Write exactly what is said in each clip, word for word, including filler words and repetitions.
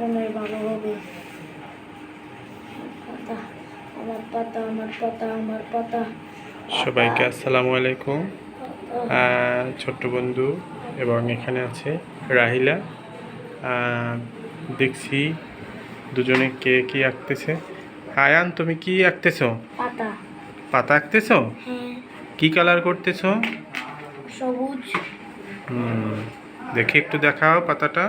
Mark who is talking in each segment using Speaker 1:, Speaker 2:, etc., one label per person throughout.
Speaker 1: মনে হয় ভালো হবে। পাতা আমার পাতা আমার পাতা আমার পাতা।
Speaker 2: সবাইকে আসসালামু আলাইকুম। ছোট্ট বন্ধু এবং এখানে আছে রাহিলা। দেখছি দুজনে কে কি আঁকতেছে। আয়ান, তুমি কি আঁকতেছো?
Speaker 1: পাতা।
Speaker 2: পাতা আঁকতেছো?
Speaker 1: হ্যাঁ।
Speaker 2: কি কালার করতেছো?
Speaker 1: সবুজ।
Speaker 2: হুম, দেখি একটু দেখাও পাতাটা।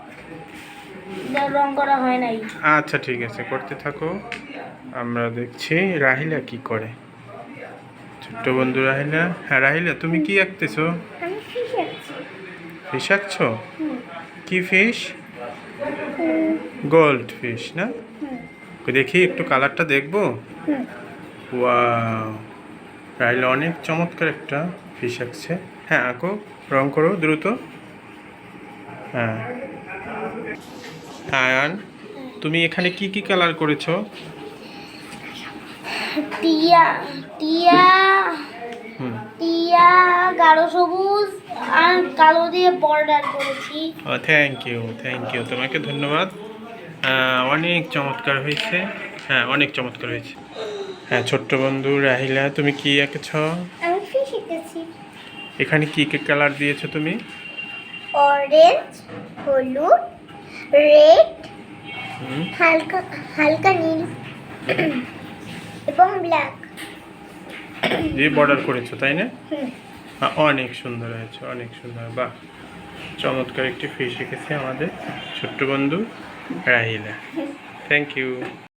Speaker 1: রং করা হয় নাই।
Speaker 2: আচ্ছা ঠিক আছে, করতে থাকো। আমরা দেখছি রাহিলা কি করে। ছোট্ট বন্ধু রাহিলা। হ্যাঁ রাহিলা, তুমি কি আঁকতেছো?
Speaker 1: আমি ফিশ আঁকছি।
Speaker 2: ফিশ আঁকছো? কি ফিশ? গোল্ড ফিশ না? দেখি একটু কালারটা দেখবো। ওয়াও, রাহিলা অনেক চমৎকার একটা ফিশ আঁকছে। হ্যাঁ আঁকো, রং করো দ্রুত। হ্যাঁ হ্যাঁ আয়ান, তুমি এখানে কি কি কালার করেছো?
Speaker 1: টিয়া টিয়া
Speaker 2: হুম,
Speaker 1: টিয়া গাঢ় সবুজ আর কালো দিয়ে বর্ডার করেছি।
Speaker 2: ও থ্যাংক ইউ থ্যাংক ইউ, তোমাকে ধন্যবাদ। আহ, অনেক চমৎকার হয়েছে। হ্যাঁ অনেক চমৎকার হয়েছে। হ্যাঁ ছোট্ট বন্ধু রাহিলা, তুমি কি এঁকেছ?
Speaker 1: আমি ফিশ এঁকেছি।
Speaker 2: এখানে কি কি কালার দিয়েছো তুমি?
Speaker 1: অরেঞ্জ, হলুদ, রেড,
Speaker 2: হুম,
Speaker 1: হালকা হালকা নীল এবং ব্ল্যাক
Speaker 2: দিয়ে বর্ডার করেছো তাই না? হ্যাঁ, অনেক সুন্দর হয়েছে, অনেক সুন্দর। বাহ, চমৎকার একটি ফিশ এঁকেছে আমাদের ছোট্ট বন্ধু রাহিলা। Thank you.